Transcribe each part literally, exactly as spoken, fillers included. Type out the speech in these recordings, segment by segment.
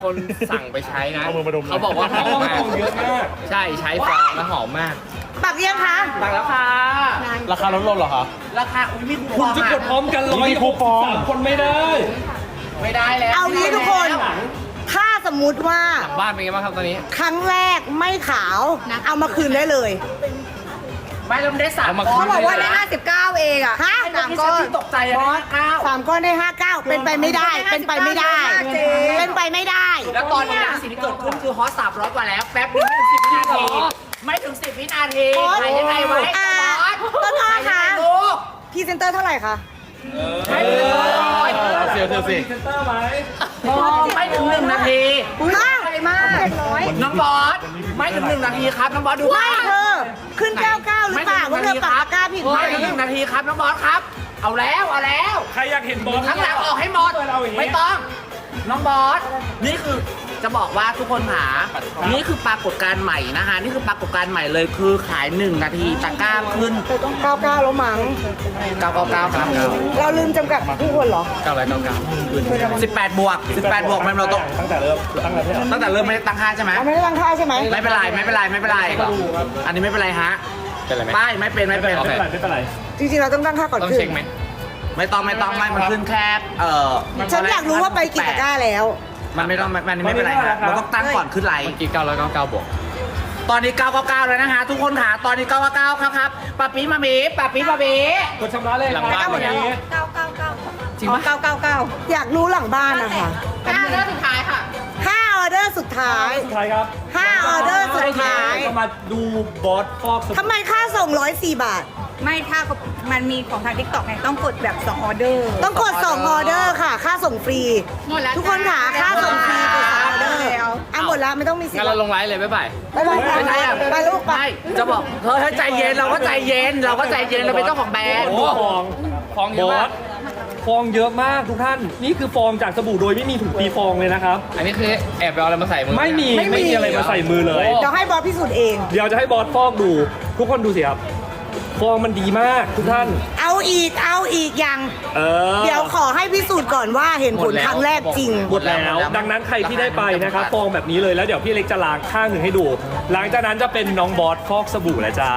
คนสั่งไปใช้นะเอามือมาดมเขาบอกว่าหอมมากเยอะมากใช่ใช้ฟองแล้วหอมมากปักยังคะสั่งแล้วค่ะราคาลดลงเหรอคะราคาอุ้ยมีคูปคุอณงจะกดพร้อมกันร้อยมีคูปองสามคนไม่ได้ไม่ได้แล้วเอางี้ทุกคน ถ้าสมมุติว่าหลังบ้านเป็นไงบ้างครับตอนนี้ครั้งแรกไม่ขาว เอามาคืนได้เลยไม่เราได้สามเขาบอกว่าได้ห้าสิบเก้าเองอะฮะสามก้อนตกใจอะนะเก้าสามก้อนได้ห้าเก้าเป็นไปไม่ได้ เป็นไปไม่ได้ เป็นไปไม่ได้แล้วตอนนี้นะสิ่งที่เกิดขึ้นคือฮอตสามร้อยกว่าแล้วแป๊บนึงไม่ถึงสิบวินาที ไม่ถึงสิบวินาทีโอ๊ยไหนยังไงไว้อ่าบอสต้นอ้อคะไหนยังไงลูกพรีเซนเตอร์เท่าไหร่คะไม่ถึงร้อยเสียวเสียวสิไม่ถึงหนึ่งนาทีมากมากเจ็ดร้อยน้องบอสไม่ถึงหนึ่งนาทีครับน้องบอสดูไม่เธอ ขึ้นเก้าเก้าหรือเปล่าว่าเธอปักตะกร้าผิดไหมไม่ถึงหนึ่งนาทีครับน้องบอสครับ เอาแล้วเอาแล้วใครอยากเห็นบอสข้างหลังออกให้หมดเอาอย่างนี้ไม่ต้อง น้องบอส นี่คือจะบอกว่าทุกคนหา นี่คือปรากฏการณ์ใหม่นะคะ นี่คือปรากฏการณ์ใหม่เลยคือขายหนึ่งนาทีตะกร้าขึ้นเธอต้องเก้าเก้าแล้วมั้งเก้าเก้าเก้าครับเราลืมจำกัดผู้คนเหรอเก้าร้อยเก้าเก้าสิบแปดบวกสิบแปดบวกมันเราต้องตั้งแต่เริ่มตั้งแต่เริ่มตั้งแต่เริ่มไม่ได้ตั้งค่าใช่ไหมเราไม่ได้ตั้งค่าใช่ไหมไม่เป็นไรไม่เป็นไรไม่เป็นไร อันนี้ไม่เป็นไรฮะเป็นไรไหมไม่ไม่เป็นไม่เป็นไม่เป็นไรไม่เป็นไรจริงๆเราต้องตั้งค่าก่อนต้องขึ้นเช็คไหมไม่ต้องไม่ต้องไม่มันขึ้นแค่เอ่อฉันอยากรู้ว่าไปกี่ตะกร้าแล้วมันไม่ต้องมันไม่เป็นไรฮะเราต้องตั้งก่อนขึ้นไลน์เมื่อกี้เก้าร้อยเก้าเก้าบวกตอนนี้เก้าเก้าเก้าแล้วนะฮะทุกคนค่ะตอนนี้เก้าเก้าเก้าครับครับปะปีมาบีปะปีมาบีกดชำระเลยหลังบ้านหมดนี้จริงปะเก้าเก้าเก้าอยากรู้หลังบ้านนะคะห้าเรื่องสุดท้ายค่ะห้าออเดอร์สุดท้ายสุดท้ายครับห้าออเดอร์สุดท้ายเรามาดูบอสฟอกสบู่ทำไมค่าส่งร้อยสี่บาทไม่ถ้ามันมีของทางทิกตอกไงต้องกดแบบสองออเดอร์ต้องกดสองออเดอร์ค่ะ ค่าส่งฟรีหมดแล้วทุกคนค่ะค่าส่งฟรีกดสองออเดอร์แล้วอ่ะหมดแล้วไม่ต้องมีสิทงั้นธิ์เราลงไลฟ์เลยบ๊ายบายไปไปไปไม่ใช่อะไปลูกไปไม่จะบอกเฮ้ยเฮ้ยใจเย็นเราก็ใจเย็นเราก็ใจเย็นเราเป็นเจ้าของแบรนด์โอ้ฟองฟองเยอะบอมากสฟองเยอะมากทุกท่าน นี่คือฟองจากสบู่โดยไม่มีถุงตีฟองเลยนะครับอันนี้คือแอบไปเอาอะไรมาใส่มือไม่มีไม่มีอะไรมาใส่มือเลยเดี๋ยวให้บอสพิสูจน์เองเดี๋ยวจะให้บอสฟอกดู ทุกคนดูสิครับ ฟองมันดีมากทุกท่านเอาอีกเอาอีกยังเออเดี๋ยวขอให้พิสูจน์ก่อนว่าเห็นผลครั้งแรกจริงหมดแล้ว ดังนั้นใครที่ได้ไปนะครับฟองแบบนี้เลยแล้วเดี๋ยวพี่เล็กจะล้างข้างหนึ่งให้ดู หลังจากนั้นจะเป็นน้องบอสฟอกสบู่แล้วจ้า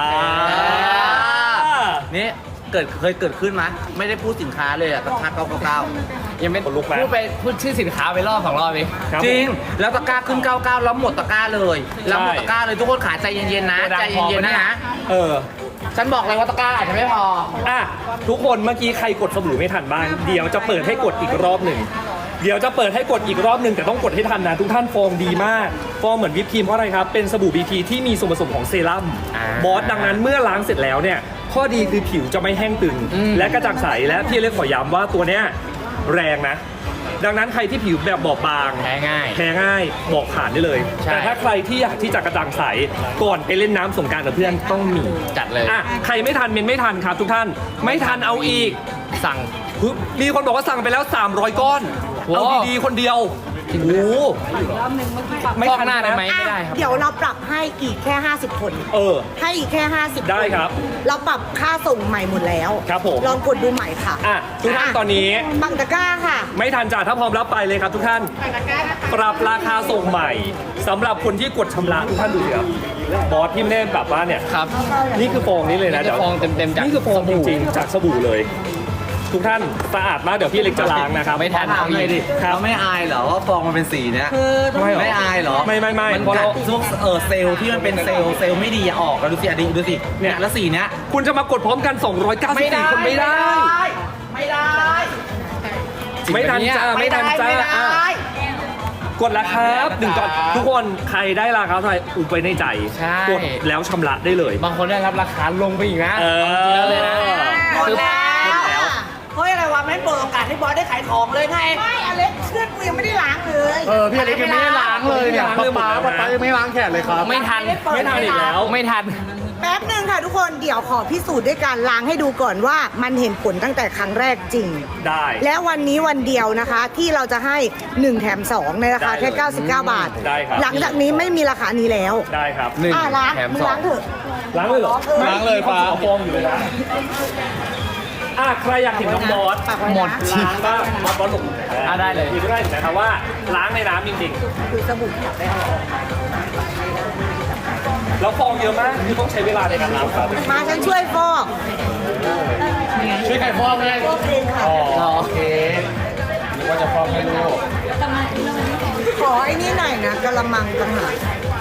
นี่เกิดเคยเกิดขึ้นไหมไม่ได้พูดสินค้าเลยอะตะกร้าเก้าเก้าเก้ายังไม่ขนลุกไหมพูดไปพูดชื่อสินค้าไปรอบสองรอบเองครับจริง แล้วตะกร้าขึ้นเก้าเก้าแล้วหมดตะกร้าเลยแล้วหมดตะกร้าเลยทุกคนขาใจเย็นๆนะใจเย็นๆนะฮะเออฉันบอกเลยว่าตะกร้าอาจจะไม่พออ่ะทุกคนเมื่อกี้ใครกดสบู่ไม่ทันบ้างเดี๋ยวจะเปิดให้กดอีกรอบหนึ่งเดี๋ยวจะเปิดให้กดอีกรอบหนึ่งแต่ต้องกดให้ทันนะทุกท่านฟองดีมากฟองเหมือนวิปครีมเพราะอะไรครับเป็นสบู่บีทีที่มีส่วนผสมของเซรั่มอ่าบอสดังนั้นเมื่อล้างเสร็จแล้วเนี่ยข้อดีคือผิวจะไม่แห้งตึงอืมและกระจ่างใสและพี่เล็กขอย้ำว่าตัวเนี้ยแรงนะ ดังนั้นใครที่ผิวแบบบอบบางแพ้ง่ายแพ้ง่ายบอกผ่านได้เลยใช่แต่ถ้าใครที่อยากที่จะกระจ่างใสก่อนไปเล่นน้ำสงกรานต์กับเพื่อนต้องมีจัดเลยอ่ะใครไม่ทันเมนไม่ทันครับทุกท่านไม่ทันเอาอีกสั่งฮึบมีคนบอกว่าสั่งไปแล้วสามร้อยก้อนโอ้เอาดีๆคนเดียวโอ้โหไม่ฟอกทันหน้าได้ไหมนะไม่ได้ครับเดี๋ยวเราปรับให้อีกแค่ ห้าสิบ คนเออให้อีกแค่ ห้าสิบได้ครับเราปรับค่าส่งใหม่หมดแล้วครับผมลองกดดูใหม่ค่ะอ่ะทุกท่านตอนนี้บังตะกร้าค่ะไม่ทันจ่าถ้าพร้อมรับไปเลยครับทุกท่าน ปรับราคาส่งใหม่สำหรับคนที่กดชำระทุกท่านดูสิครับบอสที่ไม่ได้แบบว่าเนี่ยครับนี่คือฟองนี้เลยนะนี่คือฟองเต็มๆจากนี่คือฟองสบู่จริงๆจากสบู่เลย ทุกท่านสะอาดมากเดี๋ยวพี่เล็กจะล้างนะครับไม่ทันถามเลยดิครับเราไม่อายเหรอว่าฟองมันเป็นสีเนี้ยไม่หรอไม่อายเหรอไม่ไม่ไม่มันเพราะกัเราดพวกเออเซลล์ที่มันเป็นเซลล์เซลล์ไม่ดีอะออกแล้วดูสิอะดิดูสิเนี่ยแล้วสีเนี้ยคุณจะมากดพร้อมกัน สองร้อยเก้าสิบสี่ คนไม่ได้ไม่ได้ไม่ทันจ้าไม่ทันจ้าไม่ได้อ่ะกดแล้วครับหนึ่งก่อนทุกคนใครได้ราคาเท่าไหร่อุบไว้ในใจใช่กดแล้วชำระได้เลยบางคนได้รับราคาลงไปอีกนะเออจริงๆเลยนะหมดแล้วเฮ้ยอะไรวะไม่เปิดโอกาสให้บอสได้ขายของเลยไงไม่อเล็กเชือดกูยังไม่ได้ล้างเลยเออพี่อเล็กยังไม่ได้ล้างเลยเนี่ยป๊าป๊าป๊าป๊ายังไม่ล้างแขนเลยครับไม่ทันไม่ทันอีกแล้วไม่ทันแป๊บหนึ่งค่ะทุกคนเดี๋ยวขอพิสูจน์ด้วยการล้างให้ดูก่อนว่ามันเห็นผลตั้งแต่ครั้งแรกจริงได้และวันนี้วันเดียวนะคะ ที่เราจะให้หนึ่งแถมสองในราคาแค่ได้เลยเก้าสิบเก้า บาทได้ครับหลังจากนี้ไม่มีราคานี้แล้วได้ครับหนึ่งอ่ะล้างแถมมึงสองล้างเถอะล้างเลยเหรอล้างเลยมีคนเอาฟองอยู่เลยนะอ่ะใครอยากเห็นน้องบอสปากไว้นะหมดล้างบ้างบอสบอสหลบอ่ะได้เลยมีด้วยนะครับว่าล้างในน้ำจริงคือสบู่ขัดได้ออกๆแล้วฟองเยอะมากคือต้องใช้เวลาในการล้างครับมาฉันช่วยฟอกช่วยใครฟอกไหมฟอกเองค่ะอ๋อโอเคนึกว่าจะฟอกให้ลูกขอไอ้นี่หน่อยนะกะละมังต่างหาก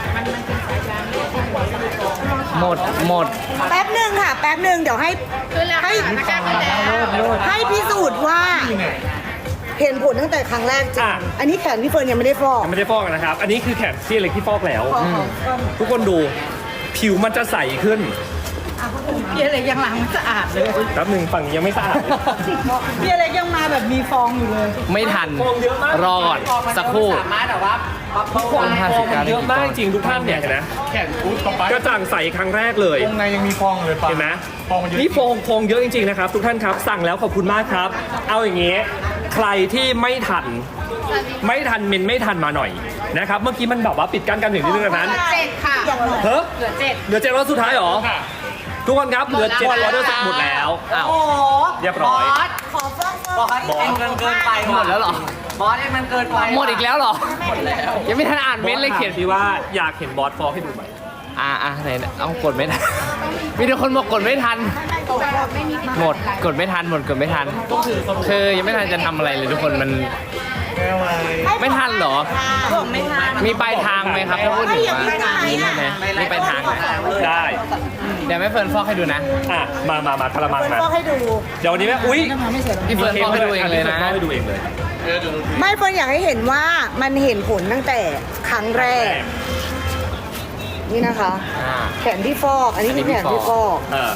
หมดหมดแป๊บหนึ่งค่ะ แป๊บหนึ่งเดี๋ยวให้ให้ให้พิสูจน์ว่า เห็นผลตั้งแต่ครั้งแรกจริงอันนี้แขนพี่เฟิร์นยังไม่ได้ฟอกยังไม่ได้ฟอกนะครับ อันนี้คือแขนที่เล็กที่ฟอกแล้วฟอกของทุกคนดูผิวมันจะใสขึ้นพี่อะไรยังล้างไม่สะอาดเลยแป๊บหนึ่งฝั่งนี้ยังไม่สะอาดพี่อะไรยังมาแบบมีฟองอยู่เลยไม่ทันฟองเยอะมากรอก่อนสักครู่สามารถแบบว่ามาเปิดฟองฟองมันเยอะมากจริงทุกท่านเนี่ยเห็นไหมแขนอุ๊ยป๊าป๊ากระจ่างใสครั้งแรกเลยตรงในยังมีฟองเลยปะเห็นไหมฟองมันเยอะนี่ฟองฟองเยอะจริงๆนะครับ ทุกท่านครับสั่งแล้วขอบคุณมากครับ เอาอย่างงี้ใครที่ไม่ทัน ไม่ทันเมนไม่ทันมาหน่อยนะครับ เมื่อกี้มันแบบว่าปิดกั้นกันถึงนิดนึงนั้นเจ็ดค่ะเฮ้ยเหลือเจ็ดเหลือเจ็ดร้อยสุดท้ายเหรอทุกคนครับเหลือเจ็ดร้อยหมดแล้วอ้าวโอ้โหเรียบร้อยบอสขอฟอกฟบออก สเองมันเกินไปะหมดแล้วเหรอบอสเองมันเกินไปหมดอีกแล้วเหรอ ยังไม่ทันอ่านเม้นต์เลยเขียนที่ว่าอยากเห็นบอสฟอร์ให้ดูไหมอ่าอ่ะไหนเอากดไม่ทัน มีแต่คนบอกกดไม่ทัน หมดกดไม่ทันหมดกดไม่ทัน คือยังไม่ทันจะทำอะไรเลยทุกคนมัน ไม่ทันเหรอผมไม่ทันมีปลายทางไหมครับถ้าพูดถึงว่ามีใช่ไหมมีปลายทางไหมได้เดี๋ยวแม่เฟิร์นฟอกให้ดูนะอ่ะมามามาคารามังมาฟอกให้ดูเดี๋ยววันนี้แม่อุ้ยพี่เฟิร์นฟอกให้ดูเองเลยนะฟอกให้ดูเองเลยไม่เฟิร์นอยากให้เห็นว่ามันเห็นผลตั้งแต่ครั้งแรก นี่นะคะอ่าแขนที่ฟอก อันนี้คือแขนที่ฟอกเออ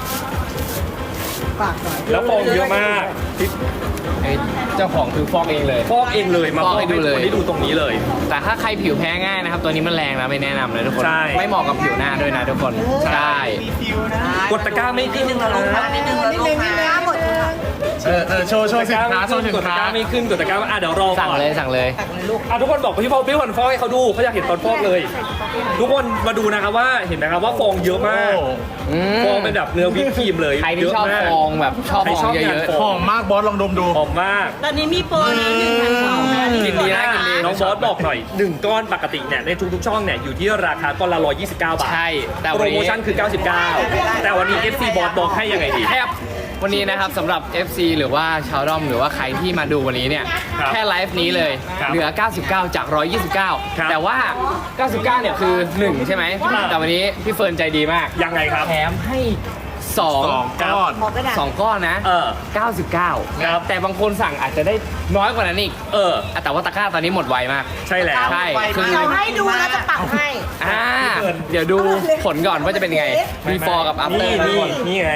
ปากหน่อยแล้วฟองเยอะมากเอ้ยเจ้าของคือฟอกเองเลยฟอกเองเลยมาฟอกให้ดูเลยคนที่ดูตรงนี้เลยแต่ถ้าใครผิวแพ้ง่ายนะครับ ตัวนี้มันแรงนะไม่แนะนำเลยทุกคนใช่ไม่เหมาะกับผิวหน้าด้วยนะทุกคนใช่กดตะกร้าไม่ขึ้นนะลงมานิดนึงแล้วนิดลนึงงนิมาดนึงหมดค่ะเออเออโชว์โชว์สินค้าโชว์สินกดตะค้ากร้าไม่ขึ้นกดตะกร้าอ่ะเดี๋ยวรอสั่งก่อนเลยสั่งเลยอ่ะทุกคนบอกพี่ฟอกพี่วันฟอกให้เขาดูเขาอยากเห็นตอนฟอกเลย ทุกคนมาดูนะครับว่าเห็นไหมครับว่าฟองเยอะมากอืมฟองเป็นแบบเนื้อวิปครีมเลยใครที่ชอบเยะมากฟองแบบชอบใครฟองชอบเยงานอะฟหอมมากบอสลองดมดูหอมมากตอนนี้มีโปรนะหนึ่งพันสองนะๆกินดีนะกินดีน้องบอสบอกหน่อยหนึ่งก้อนปกติเนี่ยในทุกๆช่องเนี่ยอยู่ที่ราคาก้อนละหนึ่งร้อยยี่สิบเก้าบาทใช่แต่โปวัรนโมนี้ชั่นคือเก้าสิบเก้าแต่วันนี้ เอฟ ซี บอสบอกให้ยังไงดีแทบวันนี้นะครับสำหรับ เอฟ ซี หรือว่าชาวด้อมหรือว่าใครที่มาดูวันนี้เนี่ยครับแค่ไลฟ์นี้เลยครับเหลือ เก้าสิบเก้า จาก หนึ่งร้อยยี่สิบเก้าครับแต่ว่า เก้าสิบเก้า เนี่ยคือ หนึ่ง ใช่ไหมครับแต่วันนี้พี่เฟิร์นใจดีมากยังไงครับแถมให้สองสองก้อนขอกระดาษสองก้อนนะเออเก้าสิบเก้าครับแต่บางคนสั่งอาจจะได้น้อยกว่านั้นอีกเอออ่ะแต่ว่าตะกร้าตอนนี้หมดไวมากใช่แล้วใช่คือเดี๋ยวให้ดูแล้วจะปักให้อ่าเดี๋ยวดูผลก่อนว่าจะเป็นยังไง before กับ after นี่ทุกนี่คนนี่ไง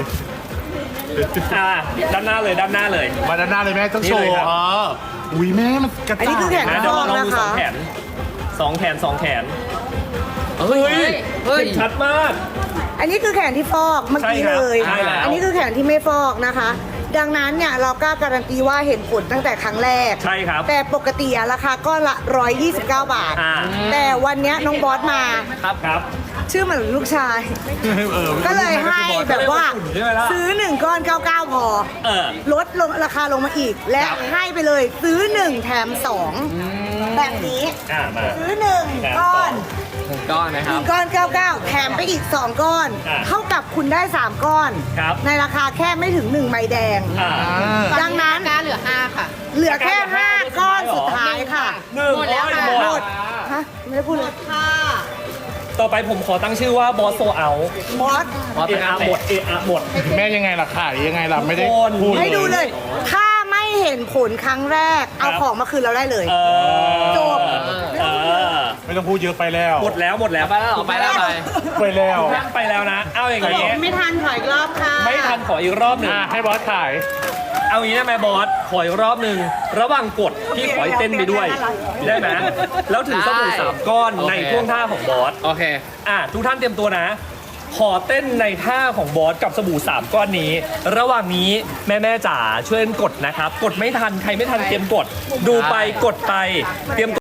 อ่าด้านหน้าเลยด้านหน้าเลยมาด้านหน้าเลยแม่ต้องโชนี่ว์เลยครับเอออุ้ยแม่มันกระอันนี้จ่างคือแขนนะฟเดี๋ยวอกลองนะดูสอคะงแขนสองแขนสองแขนเฮ้ยเฮ้ยเห็นชัดมากอันนี้คือแขนที่ฟอกเมื่อกี้ใช่ครับเลยใช่แล้วอันนี้คือแขนที่ไม่ฟอกนะคะ ดังนั้นเนี่ยเรากล้าการันตีว่าเห็นผลตั้งแต่ครั้งแรกใช่ครับแต่ปกติอะราคาก้อนละหนึ่งร้อยยี่สิบเก้าบาทอ่าแต่วันเนี้ยน้องบอสมาครับครับชื่อเหมือนลูกชายเออก็เลยให้แบบว่าใช่ไหมล่ะซื้อหนึ่งก้อนเก้าสิบเก้าพอเออลดลงราคาลงมาอีก และให้ไปเลยซื้อหนึ่งแถมสองแบบนี้อ่ามาซื้อหนึ่งแถมก้อนสองก้อนนะหครันึ่บงก้อนเก้าสิบเก้าแถมไปอีกสองก้อนอ่ะเท่ากับคุณได้สามก้อนครับในราคาแค่ไม่ถึงหนึ่งใบแดงอ่าดังนั้นกล้าเหลือห้าค่ะเหลือแค่ห้าก้อนสุดท้ายค่ะหนึ่งหมดแล้วค่ะหมหมดดฮะไม่ได้พูดเลยต่อไปผมขอตั้งชื่อว่าบอสโซเอาบอสบอสเอตะกร้าอะแตหมดกเออะหมดแม่ยังไงล่ะขายยังไงล่ะไม่ได้ทุกคนพูดให้ดูเลย ถ้าไม่เห็นผลครั้งแรก เอาครับของมาคืนเราได้เลยเออจบเออไม่ต้องพูดเยอะไปแล้วหมดแล้วหมดแล้วไปแล้วเหรอไปแล้วไปไปแล้วท่านไปแล้วนะ เอาอย่างงี้ไม่ทันถอยอีกรอบค่ะไม่ทันขออีกรอบหนึ่งอ่ะให้บอสขายเอางี้ได้ไหมบอส ขออีกรอบหนึ่งระหว่างกดพี่ขอให้เต้นไปด้วย ได้ไหมแล้วถึงสบู่สามก้อนในท่วงท่าของบอสโอเคอ่ะทุกท่านเตรียมตัวนะ ขอเต้นในท่าของบอสกับสบู่สามก้อนนี้ ระหว่างนี้แม่แม่ๆจ๋าช่วยกดนะครับ กดไม่ทันใครไม่ทันเตรียมกด ดูไปกดไปเตรียมกด